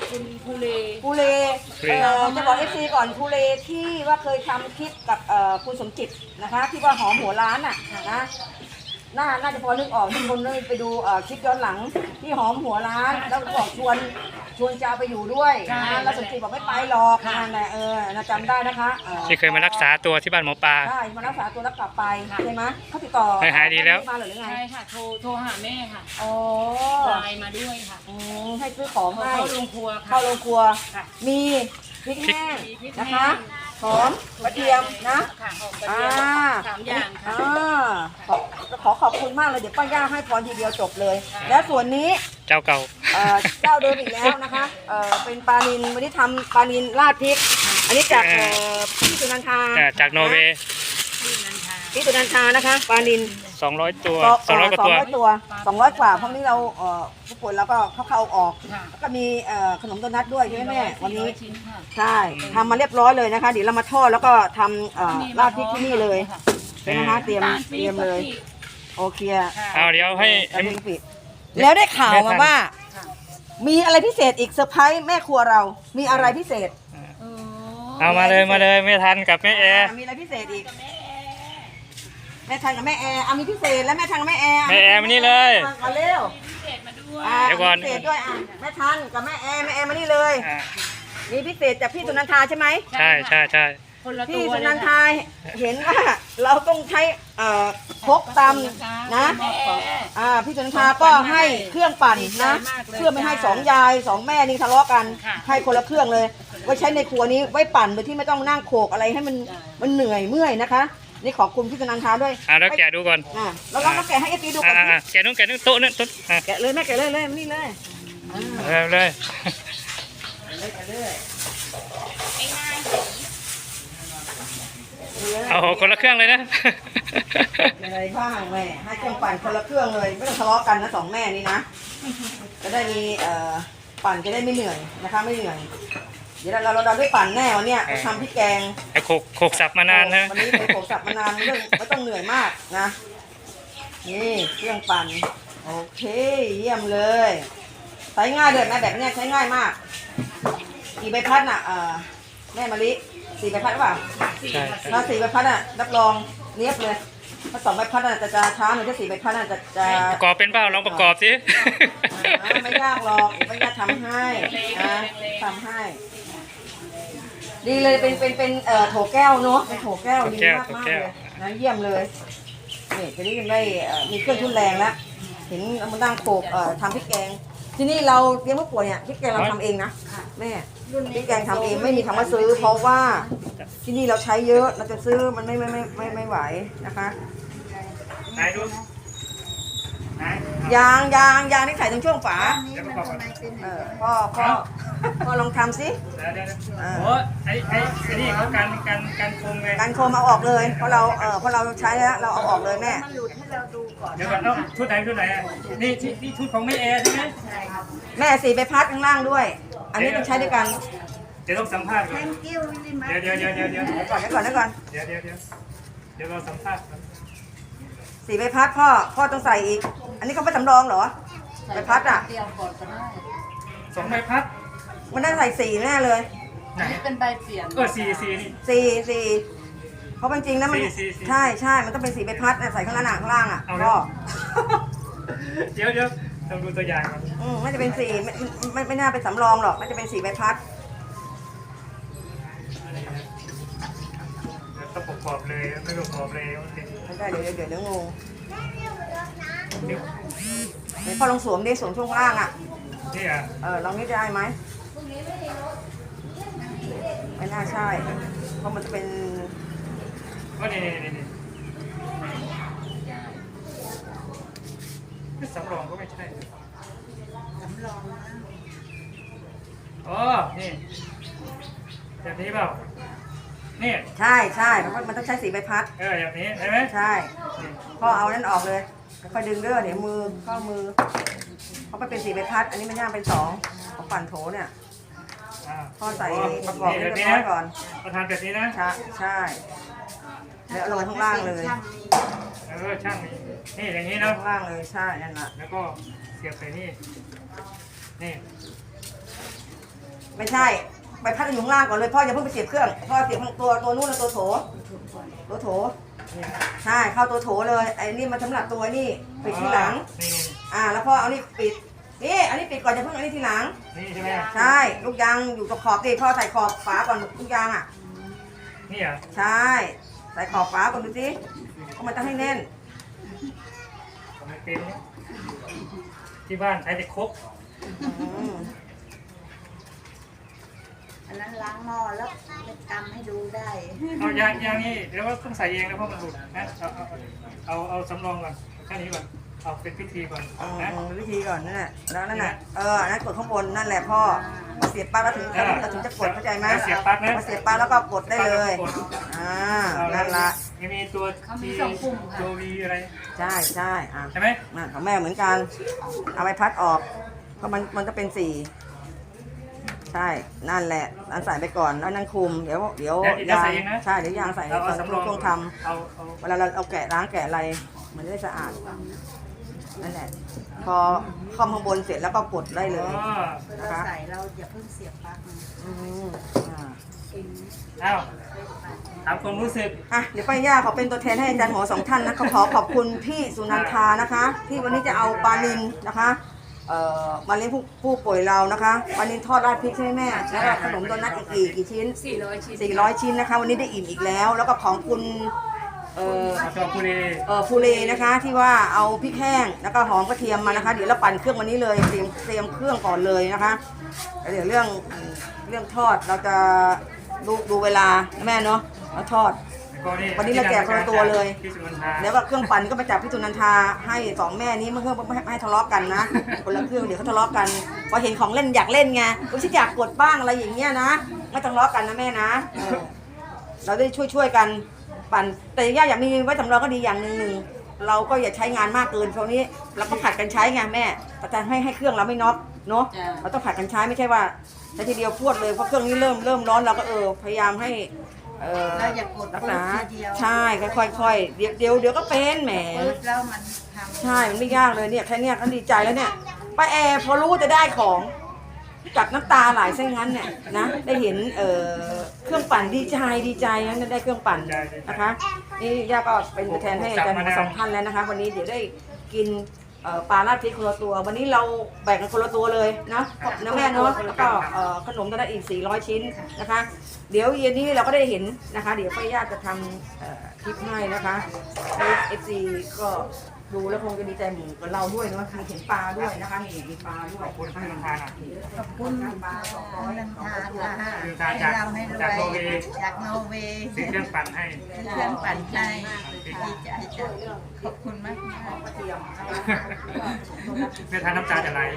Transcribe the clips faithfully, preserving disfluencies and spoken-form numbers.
คุณภูเลภูเลเอ่อจะบอกเอฟซีก่อนภูเลที่ว่าเคยทำคลิปกับเอ่อคุณสมจิตนะคะที่ว่าหอมหัวร้านอ่ะนะน่าน่าจะพอนึกออกทุกคนเลยไปดูเอ่อคลิปย้อนหลังที่หอมหัวร้านแล้วบอกชวนชวนจะเอาไปอยู่ด้วยนะแล้วสมจิตบอกไม่ไปหรอกนั่นแหละเออน่าจำได้นะคะที่เคยมารักษาตัวที่บ้านหมอปลาใช่มารักษาตัวแล้วกลับไปใช่ไหมเขาติดต่อหายดีแล้วมาหรือไงใช่ค่ะโทรโทรหาแม่ค่ะโอ้ไลน์มาด้วยค่ะให้ซื้อของให้เข้าโรงครัวค่ะเข้าโรงครัวมีพริกแห้งนะคะหอมกระเทียมนะค่ะหอมกระเทียมสามอย่างค่ะขอขอขอบคุณมากเลยเดี๋ยวป้าย่าให้พรทีเดียวจบเลย แล้วส่วนนี้เจ้าเก่าเจ้าเดิมอีกแล้วนะคะเป็นปลานิลวันนี้ทำปลานิลราดพริกอันนี้จากพี่สุนันทาจากนอร์เวย์พี่สุนันทานะคะปลานิลสองร้อยตัวสองร้อยกว่าตัวสองร้อยกว่าเพราะนี้เราผู้ป่วยแล้วก็เข้าออกแล้วก็มีขนมโดนัทด้วยใช่ไหมแม่วันนี้ใช่ทำมาเรียบร้อยเลยนะคะเดี๋ยวเรามาทอดแล้วก็ทำราดพริกที่นี่เลยใช่ไหมคะเตรียมเตรียมเลยโอเคเอาเดี๋ยวให้แล้วได้ข่าวมาว่ามีอะไรพิเศษอีกเซอร์ไพรส์แม่ครัวเรามีอะไรพิเศษเอามาเลยมาเลยไม่ทันกับแม่แอร์มีอะไรพิเศษอีกแม่ทันกับแม่แอร์เอามีพิเศษแล้วแม่ทันกับแม่แอร์แม่แอร์มานี่เลยมาเร็วเดี๋ยวก่อนพิเศษด้วยอ่ะแม่ทันกับแม่แอร์แม่แอร์มานี่เลยมีพิเศษจากพี่สุนันทาใช่ไหมใช่ใช่ใช่พี่สุนันทาเห็นว่าเราต้องใช้พกตำนะพี่สุนันทาก็ให้เครื่องปั่นนะเพื่อไม่ให้สองยายสองแม่นี่ทะเลาะกันให้คนละเครื่องเลยไว้ใช้ในครัวนี้ไว้ปั่นโดยที่ไม่ต้องนั่งโขกอะไรให้มันมันเหนื่อยเมื่อยนะคะนี่ขอบคุณพี่สุนันทาด้วยอ่าแล้วแกะดูก่อนอ่าแล้วเราแกะให้เอฟซีดูก่อนแกะนู้นแกะนู้นโต๊ะนู้นโต๊ะแกะเลยแม่แกะเลยเลยนี่เลยเลยเลยเอาคนละเครื่องเลยนะอะไรบ้างแม่ให้เครื่องปั่นคนละเครื่องเลยไม่ต้องทะเลาะกันนะสองแม่นี่นะจะได้มีเอ่อปั่นจะได้ไม่เหนื่อยนะคะไม่เหนื่อยเดี๋ยวเราเราเราได้ปั่นแน่วันเนี้ยทำพริกแกงไอ้โขกโขกสับมานานนะวันนี้ไปโขกสับมานานเรื่องไม่ต้องเหนื่อยมากนะนี่เครื่องปั่นโอเคเยี่ยมเลยใช้ง่ายเลยแม่แบบเนี้ยใช้ง่ายมากกี่ใบพัดน่ะเอ่อแม่มะลิสี่ใบพัดหรือเปล่าใช่ถ้าสี่ใบพัดน่ะรับรองเนี้ยบเลยถ้าสองใบพัดน่ะจะจะช้าหน่อยถ้าสี่ใบพัดน่ะจะจะประกอบเป็นเปล่าลองประกอบสิไม่ยากหรอกไม่ยากทำให้นะทำให้ดีเลยเป็นเป็นเป็นเอ่อโถแก้วเนาะเป็นโถแก้วดีมากมากเลยนะเยี่ยมเลยนี่จะได้ได้มีเครื่องทุนแรงแล้วเห็นมันนั่งโขกเอ่อทำพริกแกงที่นี่เราเลี้ยงผู้ป่วยเนี่ยพริกแกงเราทำเองนะแม่พริกแกงทำเองไม่มีคำว่าซื้อเพราะว่าที่นี่เราใช้เยอะเราจะซื้อมันไม่ไม่ไม่ไม่ไม่ไหวนะคะไหนดูไหนยางยางยางที่ใส่ตรงช่วงฝาเออพ่อพ่อพ่อลองทำสิโอ้ไอ้ไอ้ไอ้นี่เขาการการการโคมไงการโคมเอาออกเลยเพราะเราเออเพราะเราใช้แล้วเราเอาออกเลยแม่มันหลุดให้เราดูก่อนเดี๋ยวก่อนต้องชุดไหนชุดไหนอ่ะนี่นี่ชุดของแม่แอร์ใช่ไหมใช่ครับแม่สีไปพัดข้างล่างด้วยอันนี้ต้องใช้ด้วยกันเดี๋ยวต้องสัมภาษณ์ก่อนเดี๋ยวเดี๋ยวเดี๋ยวเดี๋ยวเดี๋ยวก่อนเดี๋ยวก่อนเดี๋ยวก่อนเดี๋ยวเดี๋ยวเดี๋ยวเดี๋ยวเราสัมภาษณ์สีใบพัดพ่อพ่อต้องใส่อีกอันนี้เขาไม่สำรองเหรอใบพัดอ่ะสองใบพัดมันได้ใส่สี่แน่เลยไหนเป็นใบเปลี่ยนเออสี่สี่นี่สี่สี่เพราะจริงๆนะมันใช่ใช่มันต้องเป็นสีใบพัดใส่ข้างล่างข้างล่างอ่ะพ่อเดี๋ยวเดี๋ยวต้องดูตัวอย่างก่อนอืมไม่จะเป็นสี่ไม่ไม่ไม่น่าเป็นสำรองหรอกมันจะเป็นสีใบพัดต้องประกอบเลยไม่ประกอบเลยไม่ได้เดี๋ยวเดี๋ยวเดี๋ยวงงเดี๋ยวพอลองสวมดิสวมช่วงล่างอ่ะนี่อ่ะเออลองนี่ได้ไหมไม่น่าใช่เพราะมันจะเป็นก็นี่นี่นี่สำรองก็ไม่ใช่สำรองอ๋อนี่แบบนี้เปล่านี่ใช่ใช่เพราะมันต้องใช้สีใบพัดเออแบบนี้ใช่ไหมใช่พ่อเอานั่นออกเลยค่อยดึงเด้อเดี๋ยวมือข้อมือเพราะมันเป็นสีใบพัดอันนี้มันย่างเป็นสองของปั่นโถเนี่ยพ่อใส่ประกอบให้เรียบร้อยก่อนประทานแบบนี้นะใช่ใช่แล้วลงข้างล่างเลยเออช่างนี่นี่อย่างนี้นะข้างล่างเลยใช่นั่นแหละแล้วก็เสียบใส่นี่นี่ไม่ใช่ใบพัดอยู่ข้างล่างก่อนเลยพ่ออย่าเพิ่งไปเสียบเครื่องพ่อเสียบข้างตัวตัวนู้นแล้วตัวโถตัวโถใช่เข้าตัวโถเลยไอ้นี่มันสำหรับตัวนี่ปิดทีหลังนี่อ่าแล้วพ่อเอานี่ปิดนี่อันนี้ปิดก่อนอย่าเพิ่งอันนี้ทีหลังนี่ใช่ไหมใช่ลูกยางอยู่กับขอบดิพ่อใส่ขอบฝาก่อนลูกยางอ่ะนี่เหรอใช่ใส่ขอบฝาก่อนดูสิเพราะมันต้องให้แน่นผมไม่เป็นที่บ้านใช้แต่ครกอืมอันนั้นล้างหม้อแล้วเป็นกำให้ดูได้เอายางยางนี่เดี๋ยวว่าต้องใส่เองนะเพราะมันหลุดนะเอาเอาเอาเอาสำรองก่อนแค่นี้ก่อนเอาเป็นพิธีก่อนอืมนะวิธีก่อนนั่นแหละแล้วนั่นแหละเอออันนั้นกดข้างบนนั่นแหละพ่อพอเสียบปลั๊กแล้วถึงเราถึงจะกดเข้าใจไหมเสียบปลั๊กนะพอเสียบปลั๊กแล้วก็กดได้เลยอ่านั่นละยังมีตัวตัววีอะไรใช่ใช่อ่ะใช่ไหมนั่นของแม่เหมือนกันเอาไปพัดออกเพราะมันมันจะเป็นสี่ใช่นั่นแหละนั่นใส่ไปก่อนแล้วนั่นคุมเดี๋ยวเดี๋ยวยางใช่เดี๋ยวยางใส่เราก่เอาอนสำรองช่วงทเอาเอาำเวลาเราเอาแกะล้างแกะอะไรมันจะได้สะอาดนั่นแหละพอคอมข้างบนเสร็จแล้วก็กดได้เลยอ๋อเราใส่เราอย่าเพิ่งเสียบปลั๊กนะอืมอ่าเอาถามความรู้สึกอ่ะเดี๋ยวป้าย่าขอเป็นตัวแทนให้อาจารย์หมอสองท่านนะขอขอขอบคุณพี่สุนันทานะคะ ที่วันนี้จะเอาปลานิลนะคะเอ่อมาเลี้ยงผู้ผู้ป่วยเรานะคะปลานิลทอดราดพริกใช่ไหมแม่แล้วก็ขนมโดนัทอีกกี่กี่ชิ้นสี่ร้อยชิ้นสี่ร้อยชิ้นนะคะ วันนี้ได้อิ่มอีกแล้ว แล้วก็ของคุณเอ่อมาชอบคุรีเอ่อฟูเลนะคะที่ว่าเอาพริกแห้งแล้วก็หอมกระเทียมมานะคะ เดี๋ยวเราปั่นเครื่องวันนี้เลยเตรียมเตรียมเครื่องก่อนเลยนะคะแล้วเดี๋ยวเรื่องเรื่องทอดเราจะดูดูเวลานะแม่เนาะแล้วทอด วันนี้เราแจกคนละตัวเลยที่สุวรรณทาแล้วก็เครื่องปั่นก็มาจากพี่ตุนันทาให้สองแม่นี้เมื่อเพื่อไม่ให้ไม่ให้ทะเลาะกันนะ คนละเครื่องเดี๋ยวเขาทะเลาะกันพอเห็นของเล่นอยากเล่นไงก็ฉันอยากกดบ้างอะไรอย่างเงี้ยนะไม่ทะเลาะกันนะแม่นะเออเราได้ช่วยช่วยๆกันปั่นแต่ย่าอยากมีไว้สำรองก็ดีอย่างหนึ่งหนึ่งเราก็อย่าใช้งานมากเกินช่วงนี้เราก็ผัดกันใช้ไงแม่แต่จะให้ให้เครื่องเราไม่น็อกเนาะเราต้องผัดกันใช้ไม่ใช่ว่าใช้ทีเดียวพรวดเลยเพราะเครื่องนี้เริ่มเริ่มร้อนเราก็เออพยายามให้เออเราอย่ากดรักปืษาดทีเดียวใช่ค่อยๆเดี๋ยวเดี๋ยวเดี๋ยวก็เป็นแหมปืดแล้วมันทำใช่มันไม่ยากเลยเนี่ยแค่เนี้ยก็ดีใจแล้วเนี่ยป้าแอร์พอรู้ว่าจะได้ของกับน้ำตาไหลซะงั้นเนี่ยนะได้เห็นเอ่อเครื่องปั่นดีใจดีใจนะได้เครื่องปั่นนะคะนี่ย่าก็เป็นตัวแทนให้อาจารย์หมอสองท่านแล้วนะคะ วันนี้เดี๋ยวได้กินเอ่อปลาราดพริกคนละตัว วันนี้เราแบ่งกันคนละตัวเลยนะนะแม่เนาะแล้วก็เอ่อขนมตัวละอีกสี่ร้อยชิ้นนะคะ เดี๋ยวเย็นนี้เราก็ได้เห็นนะคะ เดี๋ยวป้าย่าจะทำเอ่อคลิปให้นะคะเอฟซีก็ดูแล้วคงจะดีใจเหมือนกับเราด้วยเนาะมีเห็นปลาด้วยนะคะมีมีปลาด้วยขอบคุณที่สุวรรณทานะขอบคุณปลาสองร้อยนันทาค่ะคือการจากให้เราให้รวยจากโนเวย์จากโนเวย์ซื้อเครื่องปั่นให้เครื่องปั่นให้ดีใจจ้ะขอบคุณมากมากกระเทียมเพื่อทานน้ำตาจะไหล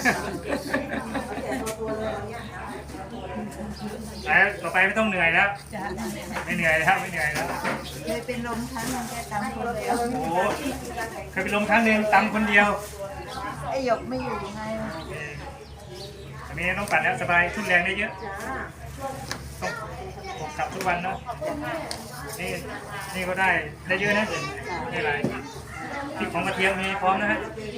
แล้วต่อไปไม่ต้องเหนื่อยแล้วจ้ะไม่เหนื่อยแล้วไม่เหนื่อยแล้วเคยเป็นลมครั้งหนึงแค่ตามคนเดียวโอ้โหเคยไปลงครั้งหนึ่งตำคนเดียวไอ้หยกไม่อยู่ไงอันนี้ต้องปั่นแล้วสบายทุนแรงได้เยอะต้องผมกลับทุกวันเนาะนี่นี่ก็ได้ได้เยอะนะนี่อะไรพริกของกระเทียมมีพร้อมนะฮะ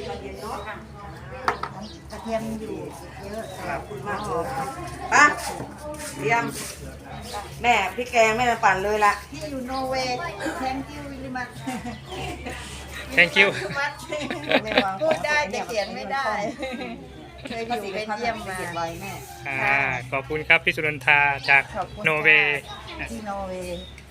กระเทียมอยู่เยอะครับมากเลยป้าเตรียมแม่พริกแกงแม่จะปั่นเลยละที่อยู่โนเวย์ thank you very much thank you พูดได้แต่เขียนไม่ได้ เคยอยู่ไปเยี่ยมมาอ่าขอบคุณครับพี่สุนันทาจากขอบคุณโนเวย์ที่โนเวย์